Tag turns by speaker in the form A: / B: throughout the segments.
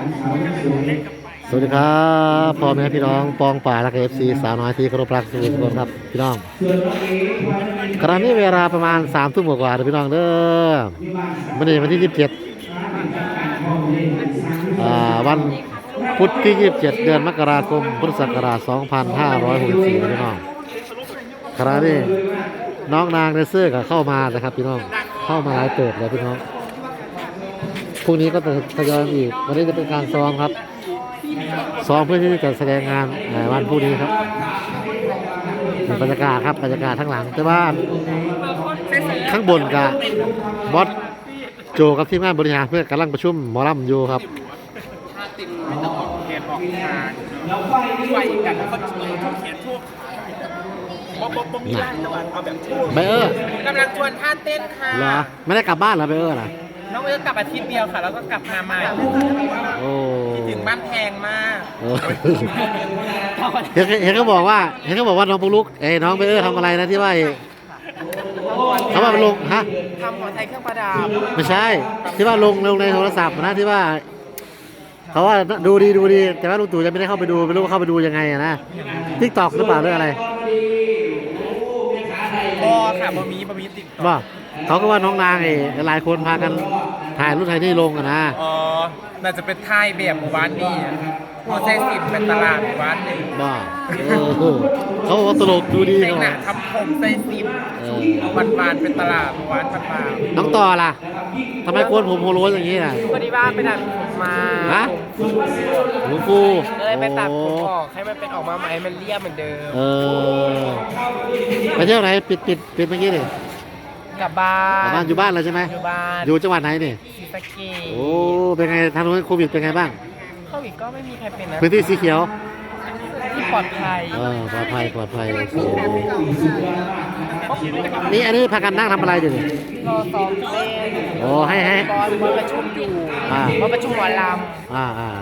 A: สวัสดีครับพ่อแม่พี่น้องปองป่าและเอฟซีสาวน้อยที่เคารพรักทุกคนครับพี่น้องขณะนี้เวลาประมาณ3 ทุ่มกว่าๆพี่น้องเด้อวันที่27วันพุธที่27เดือนมกราคมพุทธศักราช2564พี่น้องขณะนี้น้องนางในเสื้อก็เข้ามานะครับพี่น้องเข้ามาหลายเติบแล้วพี่น้องพรุ่งนี้ก็จะทยอยอีกวันนี้จะเป็นการซ้อมครับซ้อมเพื่อที่จะแสดงงานวันพรุ่งนี้ครับบรรยากาศครับบรรยากาศทั้งหลังแต่ว่าข้างบนกับบอสโจกับทีมงานบริหารเพื่อกำลังประชุมหมอลำอยู่ครับ
B: ไม่ต้องออกเขียนออกทางแล้วไฟกันแล้วก็เขียนทั่วบ๊อบมีไล่ตะวันเอาแบบทั่ว
A: ไบเออร์
B: กำลังชวนท่าเต้นค่ะ
A: เหรอไม่ได้กลับบ้านเหรอไบเออร์ล่ะ
B: น้องเอิร์กกลับอาทิตย์เดียวค่ะแล้วก็กลับมาใหม่
A: โอ้
B: คิดถึงบ้านแพงมาก
A: เห็นเขาบอกว่าน้องปุ๊กลุกน้องไบเออร์ทำอะไรนะที่ว่าเขาว่าลงฮะ
B: ทำหัวไทยเครื่องประดับ
A: ไม่ใช่ที่ว่าลงในโทรศัพท์นะที่ว่าเขาว่าดูดีแต่ว่าลุงตู่จะไม่ได้เข้าไปดูไม่รู้ว่าเข้าไปดูยังไงนะTikTokหรือเปล่าหรืออะไร
B: ค่ะบะหมี่ติ๊ก
A: บ่เขาก็ว่าน้องนางหลายคนพากันถ่ายรูปไทยนี่ลงนะ
B: อ๋อน่าจะเป็นถ่ายแบบหมู่บ้านนี่หัวใจสิบเป็นตลาดหมู่บ้านนี่
A: บ่เขาบอกว่าตลกดูดี
B: เขาทำผมใจสิบบ้านเป็นตลาดหมู่บ้านบ้าน
A: น้องต่อล่ะทำไมโกนผมโฮโลอย่างนี้ล่ะ
B: พอดีว่าไปตัดผมมา
A: ฮะหลวงปู่
B: เลยไปตัดผมออกให้มันเป็นออกมาใหม่มันเรียบเหมือนเดิม
A: ไปเที่ยวไหนปิดเมื่อกี้นี่
B: กลับบ้าน
A: อยู่บ้านเลยใช่ไหม
B: อยู่บ้าน
A: อยู่จังหวัดไหนนี่
B: ศรีสะเกษ
A: โอ้เป็นไงทางโน้นโควิดเป็นไงบ้าง
B: โควิดก็ไม่มีใครเป็นนะ
A: พื้นที่สีเขียว
B: ที่ปลอดภัย
A: ปลอดภัยนี่อันนี้พากันนั่งทำอะไรอยู่นี่
B: รอซ้อมเล่น
A: โอ้ให้
B: บอลประชุมอยู่บอลประชุมหมอลำ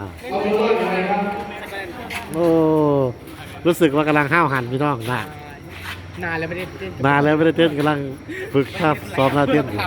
A: โอ้รู้สึกว่ากำลังห้าวหันพี่น้อง
B: นานแล้วไม่ได้เต้น
A: กำลังฝึกท่าซ้อมท่าเต้นอยู่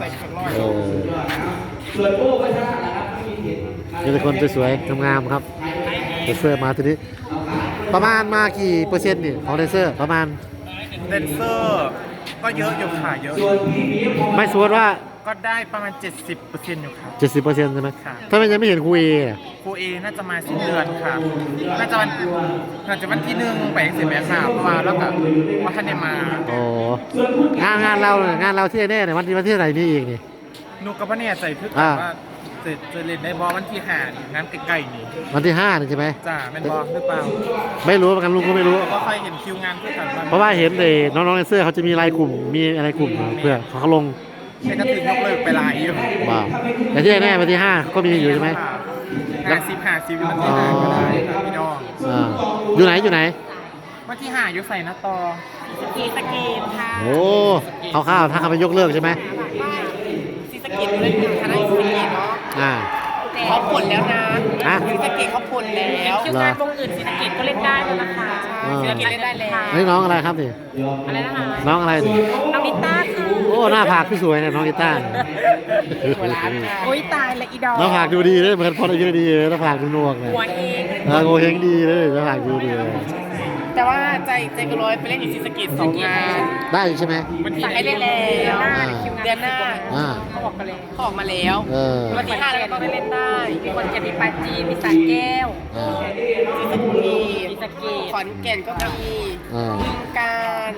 A: ส่วนโอ้ก็ชนะนะครับมีคนสวยๆงามๆครับเดนเซอร์มาทีนี้ประมาณมากี่เปอร์เซ็นต์นี่ของเดนเซอร์ประมาณ
B: เดนเซอร์ก็เยอะอยู่ค่ะเยอะ
A: ไม่สมมติว่า
B: ก็ได้ประมาณ 70%อยู่ค่ะ
A: 70%ใช่ไหมถ้าไม่ยังไม่เห็นครูเอ
B: น่าจะมาสิ้นเดือนค่ะน่าจะวันที่1ไปเสร็จแล้วค่ะมาแล้วก็ว่าท่านได้มา
A: โอ้งานเราที่แน่เนี่ยวันที่ไหนนี่อีกนี่
B: นุกกับพ่อเนี่ยใจทึกว่าจะเล่นได้บอลวันที่5งานใกล้ๆนี่
A: วันที่5นี่ใช่ไหม
B: จ้าแม่นบอลหรือเปล่า
A: ไม่รู้เหมือนกันลุงก็ไม่รู้
B: เพราะใครเห็นคิวงานเพื่อกัน
A: เพราะว่าเห็นเลยน้องๆในเสื้อเขาจะมีรายกลุ่มมีอะไรกลุ่มเพื่อเขาลง
B: แต่ก็ถึงยกเลิกไปหลายอยู่
A: ว้าวแต่ที่แน่วันที่5ก็มีอยู่ใช่ไหม
B: 50วันที่5ก็ได้ครับพี่น้อง
A: อยู่ไหน
B: วันที่5อยู่ใส่นะตอศรีสะเกษค่ะ
A: โอ้ข้าวถ้าเขาไปยกเลิกใช่ไหม
B: ศรีสะเกษเล่นเป็นคณะศรีสะเกษเนาะเขาผลแล้วนะศรีสะเกษเขาผลแล้วคิวงานวงอื่นศรีสะเกษก็เล่นได้แล้วนะคะศรีสะเกษเล่นได้แล้ว
A: นี่น้องอะไรครับนี่
B: อะไรนะคะ
A: น้องอะไรนี่
B: น้องนิต้าค่ะ
A: โอ้หน้าผากพี่สวยเนี่ยน้องนิต้า
B: โอ้ยตายละอีดอก
A: หน้าผากดูดีเลยเหมือนพอได้ดีหน้าผากดูนวกเลย
B: หัวเอง
A: โงเฮงดีเลยหน้าผากดูดี
B: แต่ว่าใจกระโดดไปเล่นอยู่ศรีสะเกษ2 งาน
A: ได้ใช่ไหม
B: มันที่ให้เล่นแล้วเดือนหน้าเขาบอกกันเลยเขาออกมาแล้ววันที่5แล้วก็ต้องได้เล่นได้มีคนจะมีปาจีนมีสระแก้วศรีสะเกษขอนแก่นก็มีการ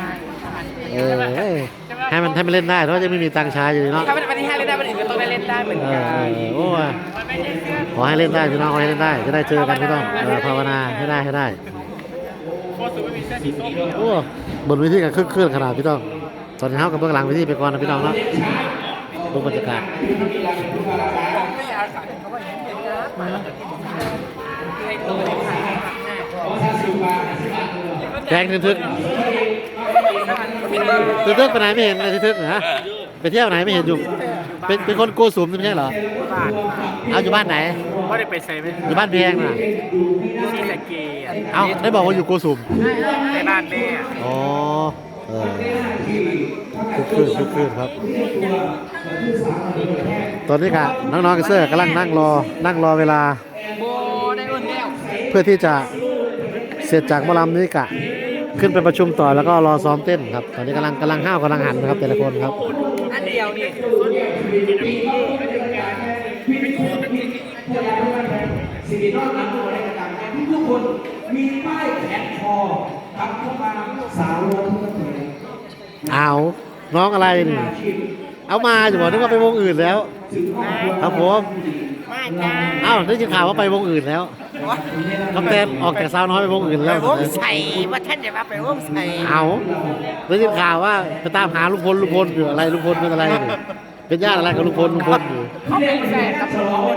A: ให้มันเล่นได้เพราะจะไม่มีตังช้าอยู่เนาะ
B: ถ้าวันที่5เล่นได้วันอื่นก็ต้องได้เล่นได้เหมือนกัน
A: โอ้ขอให้เล่นได้พี่น้องขอให้เล่นได้จะได้เจอกันพี่น้องภาวนาให้ได้โอ้บนวิธีการเคลื่อนขนาดพี่น้องตอนนี้เขากับเบื้องหลังวิธีไปก่อนนะพี่น้องเนาะดูบรรยากาศแดงทึกไปไหนไม่เห็นเลยทึกเหรอไปเที่ยวไหนไม่เห็นอยู่เป็นคนโกสุมไม่ใช่เหรอเอาอยู่บ้านไหน
B: ไม่ได้ไปเซเว่น
A: อยู่บ้านแพงน่ะ
B: ศรีสะเกษ
A: เอาได้บอกว่าอยู่โกสุม
B: ในบ้านแม่
A: อ๋อคึกคืนครับ ตอนนี้กะน้องๆกับเสื้อกำลังนั่งรอเวลา
B: โบได้อุ่นแล้ว
A: เพื่อที่จะเสร็จจากหมอลำนี้กะขึ้นไปประชุมต่อแล้วก็รอซ้อมเต้นครับ ตอนนี้กำลังห้าวกำลังหันนะครับแต่ละคนครับ
B: อันเดียวนี่
C: สิ่งที่นอกจากตัวในกระดาษทุกคนมีป้ายแขนคอครับทุกมาสาวรทุกคน
A: เอาน้องอะไรนี่เอามาจะบอกนึกว่าไปวงอื่นแล้วครับผม
B: มาจ้า
A: เอ้าได้ยินข่าวว่าไปวงอื่นแล้วกำเต้นออกจากสาวน้อยไปวงอื่น
B: ไป
A: แล้ว
B: วงใส่ว่าท่านจะมาไปวงใส่
A: เอาได้ยินข่าวว่าไปตามหาลุงพลอยู่อะไรลุงพลเป็นอะไรนี่เป็นญาติอะไรกับลุงพลอยู่
B: เขาเป็นแฟนกับลุงพล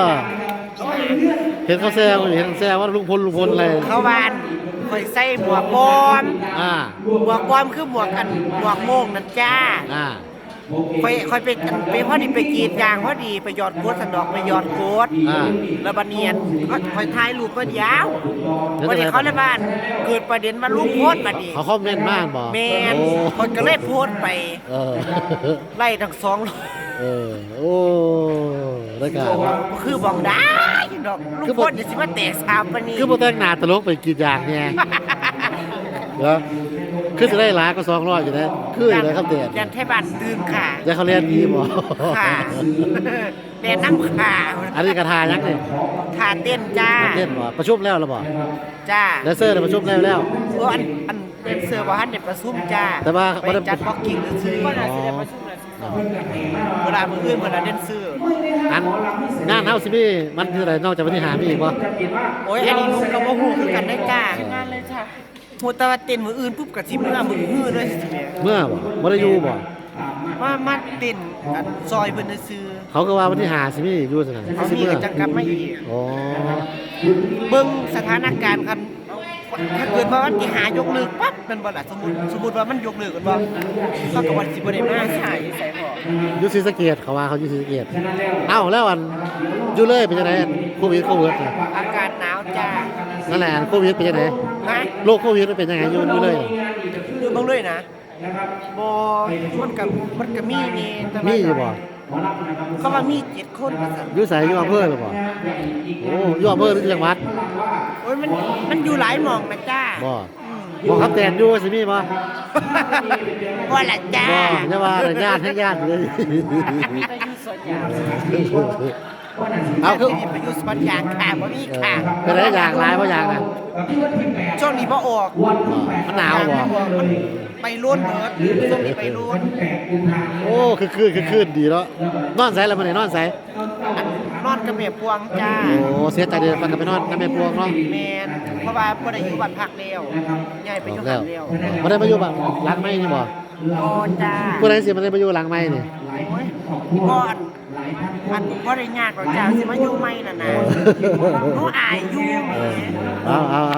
A: เห็นเขาแซวว่าลุงพลอะไร
B: เขาบานคอยใส่หมวกปลอม
A: อ่า
B: หมวกปลอมคือหมวกกันหมวกโม่งนั่นจ้า
A: อ่า
B: คอยไปพอดีไปกรีดยางพอดีไปหยอดโคตรสันดอกไปหยอดโคตร
A: อ่า
B: แล้วบันเนียนก็คอยถ่ายรูปก็ยาววันนี้เขาในบ้านเกิดประเด็นมาลูกโพสต์มาดิ
A: เขาคอมเมนต์มากบอก
B: แมน
A: โอ้
B: คนก็เลยโพสต์ไป
A: เออ
B: ไล่ทั้งสอง
A: โอ้ได้การครับ
B: คือบอกได้ดอกลูกโพสต์เดี๋ยวสิมาแตกสามปานนี้
A: คือโปรแตงหนาตลกไปกี่อย่างเนี่ยเหรอคือจะได้หลายก็200อยู่นะคืออยู่นะครับเด็ด
B: ยันไทยบ้านตื่นค่ะ
A: จะเขาเรียนดีบ่
B: ค่ะแม่น้ำขา
A: อันนี้กระทายักษ์นี่
B: ขาเต้นจ้า
A: เต้นบ่ประชุมแล้วหรือบ่
B: จ้า
A: แดนเซอร์ได้ประชุมแล้ว
B: โอ้อันเป็นเสือบ่ฮันเด็ดประซุ่มจ้า
A: แต่ว่า
B: ไปจัดบ็อกกิ้งซื้อก็น่าสิได้ประชุมเวลามื้ออื่นเวลาเด่นซื้อ
A: อันงานเฮาสิมีมันคืออะไรนอกจากวันที่5มีอีกบ่
B: โอ้ยอันนี้หนุ่มกับบ่ฮู้คือกันได้จ้างานเลยจ้าฮู้แต่ว่าเต้นมื้ออื่นปุ๊บก็สิมื้อฮื้อเลยสิแม่
A: เมื่อบ่ได้อยู่บ่
B: มาเต้นอันซอยเพิ่นซื้อ
A: เขาก็ว่าวันที่5สิมีอยู่ซั่นน่ะ
B: เขา
A: สิ
B: มี
A: เมื่อ
B: ก็จังกลับมาอีก
A: อ๋อ
B: เบิ่งสถานการณ์คันถ้าเกิดว่าวันที่หายกเลิกปั๊บแมันบ่ล่ะสมมุติว่ามันยกเลิกกันบ่เขาก็ว่าสิบ่ได้มาใช่ใส่บ่
A: อยู่ศรีสะเกษเขาว่าเขาอยู่ศรีสะเกษเอ้าแล้วอันอยู่เลยเป็นจังได๋โควิดน่ะ
B: อากาศหนาวจ้า
A: นั่นแหละโควิดเป็นยังไง
B: ฮะ
A: โรคโควิดมันเป็นยังไงอยู่เลย
B: อยู่เบิ่งเลยนะบ่มันก็มีนี่แต่ว่า
A: มีอยู่บ่
B: เขาว่ามี7คนว่าซั่น
A: อยู่ใส่อยู่อำเภอหรือบ่โอ้อยู่อำเภอหรือจังหวัด
B: โอ้ยมันอยู่หลายหม่องนะจ้า
A: บ่บ่ครับแต่นอยู่สิมีบ่
B: บ่ล่ะจ้า
A: บ่อย่าว่าแต่ญาติให้ญาติเลย
B: ไปอยู่สวนยาง
A: เอาคือ
B: ไปอยู่สวนยางค่ะบ่มีค่ะ
A: เป็นได้อย่างหลายบ่อย่างน่ะ
B: ช่วงนี้บ่ออก
A: มันหนาวบ่
B: มันไปล้นเบิดช่วงนี้ไปล้น
A: โอ้คือดีเนาะนอนไสแล้วมื้อนี้นอนไส
B: นอนกับแม่พวงจ้า
A: โอ้เสียใจเด้อไปนอนกับแม่พวงเนาะ
B: แม่นเพราะว่าบ่ได้อยู่บ้านพักแล้วย้ายไปอยู่
A: แล้
B: บ้า
A: วน
B: แล้ว
A: บ่ได้มาอยู่บ้านหลังไม้นี่บ่
B: โอ้จ้า
A: ผู้ใดสิมาได้มาอยู่หลังไม้นี่
B: โอ้ยบ่อันบ่ได้ยากหรอกจ้าสิมาอยู่ใหม่น่ะนะหนูอายอยู่แหม
A: เอา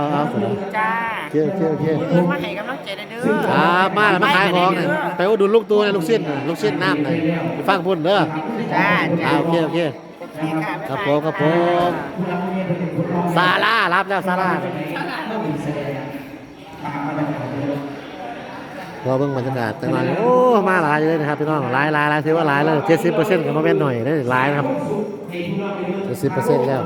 B: จ้า
A: เที่ยว
B: มื้อมาให้กำลังใจได้เด้อ
A: ครับมาแล้วมาขายของเนี่ยไปอุดหนุนลูกตัวในลูกชิ้นน่ะลูกชิ้นน้ำหน่อยไปฟังพุ่นเด้อ
B: จ้าจ้า
A: โอเค
B: โอเคค่ะ
A: ครับผมซาร่ารับแล้วซาร่าเราเบิ่งบรรยากาศจังหวะโอ้มาหลายเลยนะครับพี่น้องหลายถือว่าหลายแล้ว70%ก็มาเป็นหน่อยได้หลายนะครับ70%แล้ว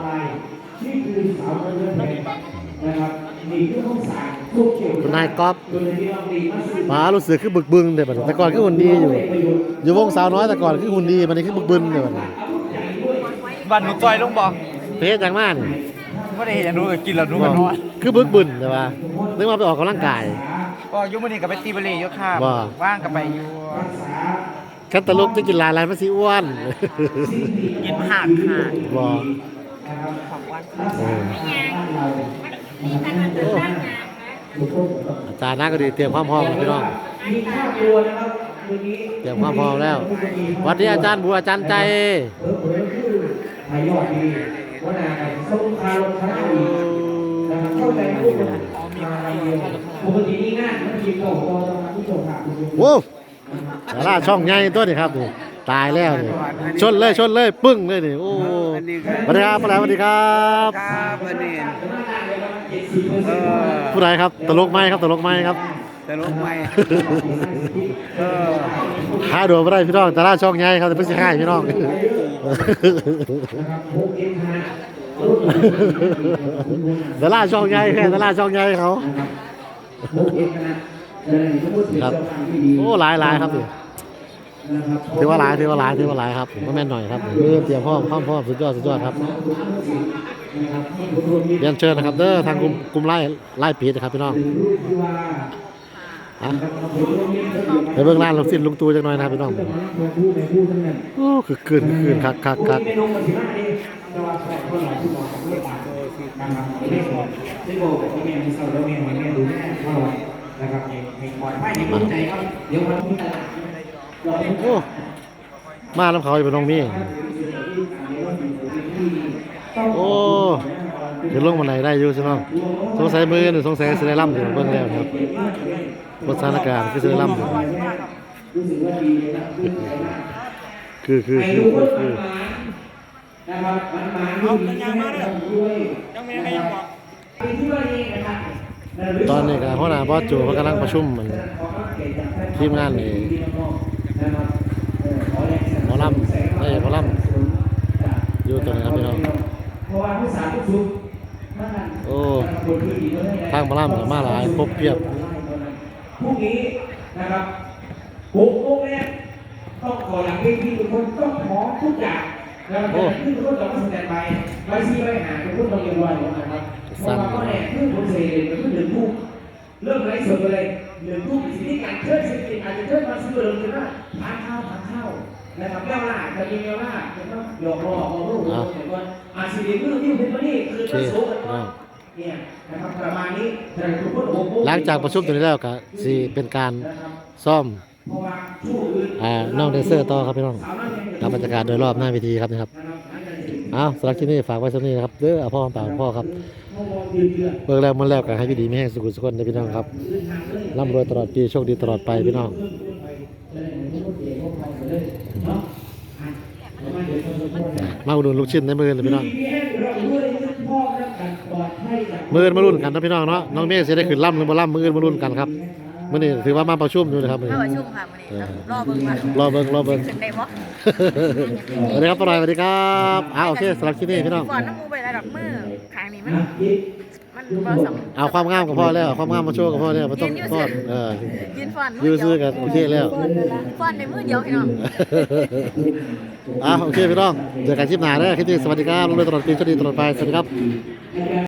A: คุณนายก๊อฟมารู้สึกคือบึกบึนเดี๋ยวแต่ก่อนคือหุ่นดีอยู่วงสาวน้อยแต่ก่อนคือหุ่นดีมันนี้คือบึกบึนเดี๋ยว
D: บ้านหนูจอยลงบอก
A: เพชรจังมาก
D: ไม่ได้เห็นอย่างนู้นก็กินแล้วนู้นก็นอน
A: คือบึกบึนแต่ว่านึกว่าไปออกกำลังกาย
D: ก็อยุมื้อนี้ก็ไปตีบอลเล่อยู่ค่ะ
A: ว่า
D: ว่างก็ไปอยู่
A: คันตะลุกจะกินหลายมันสิอ้วน
B: กินผักค่ะ
A: บ่
B: ของวัน
A: อาจารย์น่าก็ดีเตรียมความพร้อมพี่น้องเตรียมความพร้อมแล้วสวัสดีอาจารย์บัวอาจารย์ใจ
C: ไทยยอดดีว่านาส่งคารมคณะดีเข้าใจผู้บริหารปกตินี่งานมันทีมโตโตตรงนั้นที่โตค่ะ
A: โว้ดาราช่องใหญ่ตัวนี้ครับนี่ตายแล้วนี่ชนเลยปึ้งเลยนี่โอ้สวัสดีครับสวัสดีครับ
D: ครับวันนี้
A: ผู้ใดครับตลกไหมครับ
D: แต่ลงไป
A: หาดูไม่ได้พี่น้องแต่ละช่องใหญ่ครับแต่เพิ่งจะให้พี่น้อง แต่ละช่องใหญ่แค่แต่ละช่องใหญ่เขาครับโอ้หลายครับถือว่าหลายครับไม่แม่นหน่อยครับเตรียมพร้อมสุดยอดครับเรียนเชิญนะครับเด้อทางกลุ่มไล่ปีนะครับพี่น้องไปเบื้องล่างลงสิ้นลุงตูจังหน่อยนะครับพี่น้องโอ้คือคืนคักโอ้มาแล้วเขาจะเป็นน้องมี่โอ้เดี๋ยวลงมาไหนได้อยู่ใช่ไหมสงสัยมือหรือสงสัยเสด็จล่ำอยู่เบื้องแล้วครับบทสถานการณ์คือเสด็จล่ำอยู่คือ
C: นะครับมันมาด้วยยังมีอะไรบอก
A: ตอนนี้ก็หัวหน้าบอสจูเขากำลังประชุมมันทีมงานนี่หมอลำอยู่ตรงนี้ครับพี่น้องโอ้ทางหมอลำกับมาหลายครบเพียบ
C: พรุ่งนี้นะครับ6 โมงแรกต้องขอหลังเวทีทุกคนต้องขอทุกอย่างนะครับขึ้นทุกคนต้องมาแสดงไปซีไปหาทุกคนต้องเรียนรู้นะครับเพราะว่าก็แน่ขึ้นบนเซนมันขึ้น1 ทุ่มเริ่มไลฟ์สดเลย1 ทุ่มสิ่งที่การเชิญสิ่งอาจจะเชิญมาซื้อเดิมคือว่าทานข้าวนะครับเวลาจะมีเวลาจะต้องหยอกล้อของลูกแต่ว่าสิ่งที่มือที่เป็นวันนี้คือมาโซ่กันว่าเนี่ยนะครับประมาณนี้ทุกคน
A: หลังจากประชุมตัวนี้แล้วก็สิเป็นการซ่อมน้องแดนเซอร์ต่อครับพี่น้องกับบรรยากาศโดยรอบหน้าเวทีครับนะครับเอาสำหรับที่นี่ฝากไว้สักนี้นะครับเด้อพ่อเปล่าพ่อครับเบิกแล้วมันแล้วก็ให้พี่ดีไม่แห้งสุขุสุขคนนะพี่น้องครับร่ำรวยตลอดปีโชคดีตลอดไปพี่น้องมาอุดหนุนลูกชิ้นในมือเลยพี่น้องมือมารุ่นกันนะพี่น้องเนาะน้องเมฆจะได้ขึ้นล่ำหรือบ่ล่ำมือมารุ่นกันครับมื่อนี้ถือว่ามาประชุมอยู่นะครับ
B: มาประชุมค่ะวันนี้รอเบิ่งขึ้นได้บ่
A: สวัสดีครับปลอยสวัสดีครับโอเคสำหรับที่นี่พี่น้อง
B: ก่อนน้ำมูไปได้ดอกมือขางนี้มันบ่สำ
A: เอาความงามกับพ่อแล้วความงามมาโชว์กับพ่อแล้วมันต้องฟ้อน
B: ยืนฟ้อน
A: ยืนซื้อกันโอเคแล้ว
B: ฟ้อนในมือเดียวพี่น้อง
A: โอเคพี่น้องเจอกันคลิปหน้าเด้อคลิปนี้สวัสดีครับลงเลยตลอดปีโชคดีตลอดไปสวัสดีครับ